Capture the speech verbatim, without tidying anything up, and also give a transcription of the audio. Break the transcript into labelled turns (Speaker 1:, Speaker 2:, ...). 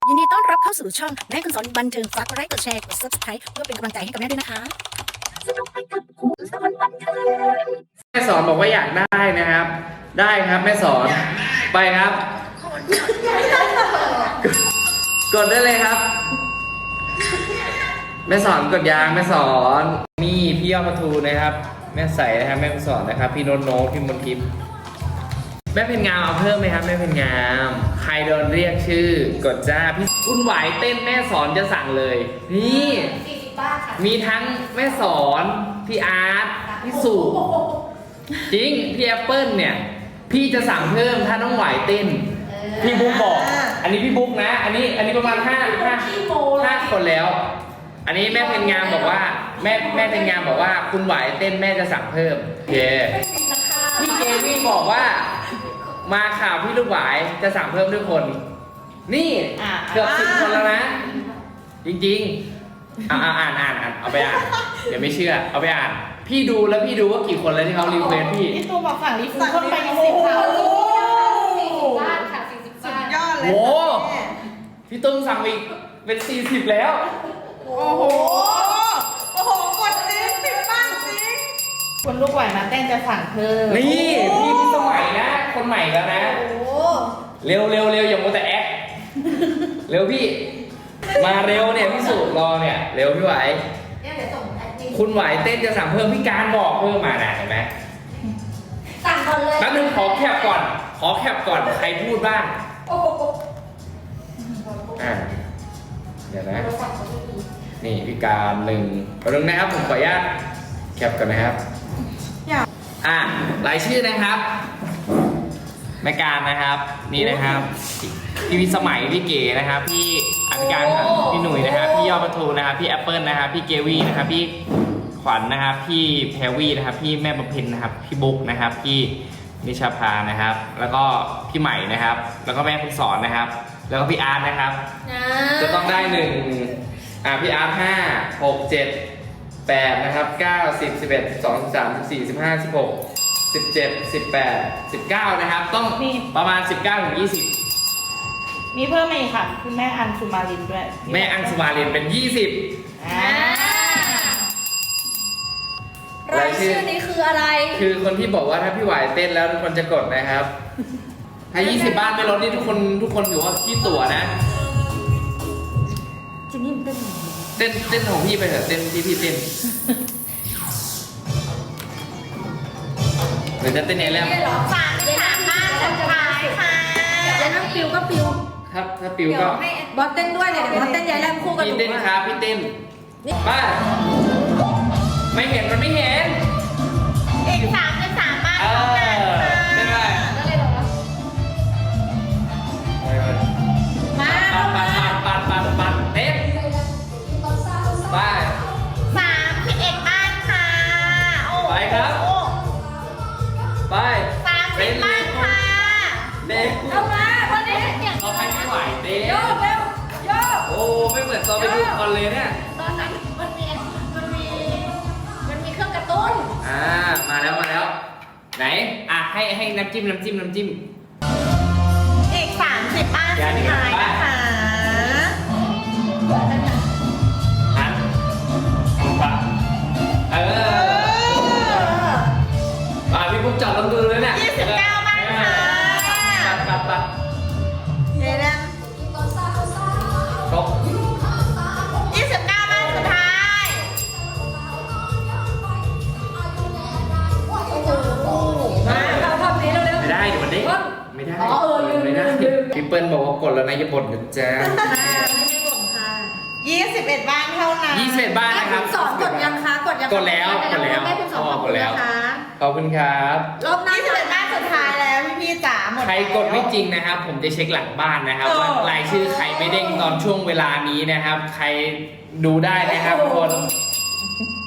Speaker 1: ยินดีต้อนรับเข้าสู่ช่องแม่คุณสอนบันเทิงฝากกดไลค์กดแชร์กด ซับสไครบ์ เพื่อเป็นกำลังใจให้กับแม่ด้วยนะคะ
Speaker 2: แม่สอนบอกว่าอยากได้นะครับ ได้ครับแม่สอนไปครับ กดได้เลยครับ แม่สอนกดยางแม่สอนนี่พี่ยอดประทูนะครับแม่ใสนะครับแม่สอนนะครับพี่โนโนพี่มนทิพย์แม่เพนงามเอาเพิ่มไหมครับแม่เพนงามใครโดนเรียกชื่อกดจ้าพี่คุณไหวเต้นแม่สอนจะสั่งเลยนี่มีทั้งแม่สอนพี่อาร์ตพี่สุจริงพี่แอปเปิลเนี่ยพี่จะสั่งเพิ่มถ้าน้องไหวเต้นพี่บุ๊กบอกอันนี้พี่บุ๊กนะ อันนี้อันนี้ประมาณห้าห้าห้าคนแล้วอันนี้แม่เพนงามบอกว่าแม่แม่เพนงามบอกว่าคุณไหวเต้นแม่จะสั่งเพิ่มโอเคพี่เกวี่บอกว่ามาข่าวพี่ลูกหวายจะสั่งเพิ่มด้วยคนนี่เกือบสิบคนแล้วนะจริงๆอ่าอ่านอ่านอ่านเอาไปอ่านเดี๋ยวไม่เชื่อเอาไปอ่านพี่ดูแล้วพี่ดูว่ากี่คนแล้วที่เขารีเควสพี่
Speaker 3: พี่ตูบอกสั่งรีฟูเพิ่มไปยี่สิบค่ะสี่สิบบ้านค่ะสี่สิบบ้านยอดเลย
Speaker 2: โอ้พี่ตุ้มสั่งอีกเป็นสี่สิบแล้ว
Speaker 3: โอ้โหโอ้โหกดจริงสิบบ้านจริงคนลูกไหวมาเต้นจะสั่งเพิ่ม
Speaker 2: นี่พี่พี่สมัยนะคนใหม่แล้วนะเร็วเร็วเร็วอย่ามัวแต่แอคเร็วพี่มาเร็วเนี่ยพี่สุรอเนี่ยเร็วพี่ไหวคุณไหวเต้นจะสั่งเพิ่มพี่การบอกเพิ่มมานะเห็นไหม
Speaker 3: สั่งก่อนเลย
Speaker 2: แป๊บนึงขอแคปก่อนขอแคปก่อนใครพูดบ้างอ่าเดี๋ยวนะนี่พี่การหนึ่งแป๊บนึงนะครับผมขออนุญาตแคปก่อนนะครับอ่ารายชื่อนะครับแม่การนะครับนี่นะครับพี่วิสมัยพี่เก๋นะครับพี่อภิการพี่หนุ่ยนะครับพี่ยอดประทูนะครับพี่แอปเปิลนะครับพี่เกวี่นะครับพี่ขวัญนะครับพี่แพรวี่นะครับพี่แม่บำเพ็ญนะครับพี่บุ๊กนะครับพี่นิชาภานะครับแล้วก็พี่ใหม่นะครับแล้วก็แม่คุณสอนนะครับแล้วก็พี่อาร์ตนะครับจะต้องได้หนึ่งอ่าพี่อาร์ตห้าหกเจ็ดแปดนะครับเก้าสิบสิบเอ็ดสิบสองสิบสามสิบสี่สิบห้าสิบหกสิบเจ็ดสิบแปดสิบเก้านะครับต้องประมาณสิบเก้าถึงยี่สิบ
Speaker 3: มีเพิ่มอีกค่ะคุณแม่อัญชุมาลินด้วย
Speaker 2: แม่อัญชุมาลินเป็นยี่สิบ
Speaker 4: รายชื่อนี้คืออะไร
Speaker 2: คือคนที่บอกว่าถ้าพี่ไหวเต้นแล้วทุกคนจะกดนะครับถ้ายี่สิบบ้านไม่ลดนี่ทุกคนทุกคนถือว่าพี่ตั๋วนะ
Speaker 4: จินนี่เต้น
Speaker 2: เต้นเต้นของพี่ไปเถอะเต้นที่พี่เต้นหรือจะเต้นเองแล้ว
Speaker 3: ฝากสามบ้านสุดท้ายค่ะ
Speaker 4: แล้วน้ำปิวก็ปิว
Speaker 2: ถ้าถ้าปิวก็
Speaker 4: บอสเต้นด้วยเนี่ยเดี๋ยวบอสเต้นยายแรมคู่กัน
Speaker 2: พี่เต้นครับพี่เต้นป้าไม่เห็นมันไม่เห็น
Speaker 3: อีกสามเป็นสามบ้านเท่ากันค่ะ
Speaker 2: เต้นอะไร
Speaker 3: มา
Speaker 2: ปัดปัดปัดปัดปัดเต้นไป
Speaker 3: สามสิบเอ็ดบ้านค่ะ
Speaker 2: ไปครับไป
Speaker 3: สามสิบบ้านค่ะ
Speaker 2: เด็ก
Speaker 4: เอามาคนนี้
Speaker 2: เราใครไม่ไหวเต้น
Speaker 4: โยกเร็วโยก
Speaker 2: โอ้ไม่เหมือนตอนไปดูคอนเลยเนี่ย
Speaker 4: ตอนนั้นมันมีมันมีมันมีเครื่องกระตุ้น
Speaker 2: อ่ามาแล้วมาแล้วไหนอ่ะให้ให้น้ำจิ้มน้ำจิ้มน้ำจิ้ม
Speaker 3: อีกสามสิบบ้านสุดท้ายนะคะ
Speaker 2: หันปะเอออ่าพี่ปุ๊บจับลำดูเลยเนี่ย
Speaker 3: ยี่สิบเก้าบ้านค่ะ
Speaker 2: ปัดปัดปัด
Speaker 3: เดี๋ยวนะ
Speaker 2: ครบ
Speaker 3: ยี่สิบเก้าบ้านสุดท้าย
Speaker 4: มาเราทำนี้เร็วๆ
Speaker 2: ไม่ได้เดี๋ยวมันได้ไม่ได้
Speaker 4: อ๋อเออลืม
Speaker 2: ไม่ได้
Speaker 4: ลืม
Speaker 2: พี่เปิ้ลบอกว่ากดแล้วนะอย่าบ่นนะจ๊ะ
Speaker 3: ยี่สิบเอ็ดบ้านเท่านั้น
Speaker 2: ยี่สิบเอ็ดบ้านนะครับ
Speaker 4: สอนกดยังคะกดยัง
Speaker 2: กดแล้วกดแล้ว
Speaker 4: แม่คุณสอน
Speaker 2: กดแล้วขอบคุณครับ
Speaker 4: รอบหน้า
Speaker 3: ยี่สิบเอ็ดบ้านสุดท้ายแล้วพี่พี่จ๋าหมด
Speaker 2: ใครกดไม่จริงนะครับผมจะเช็คหลังบ้านนะครับว่ารายชื่อใครไม่เด้งตอนช่วงเวลานี้นะครับใครดูได้นะครับทุกคน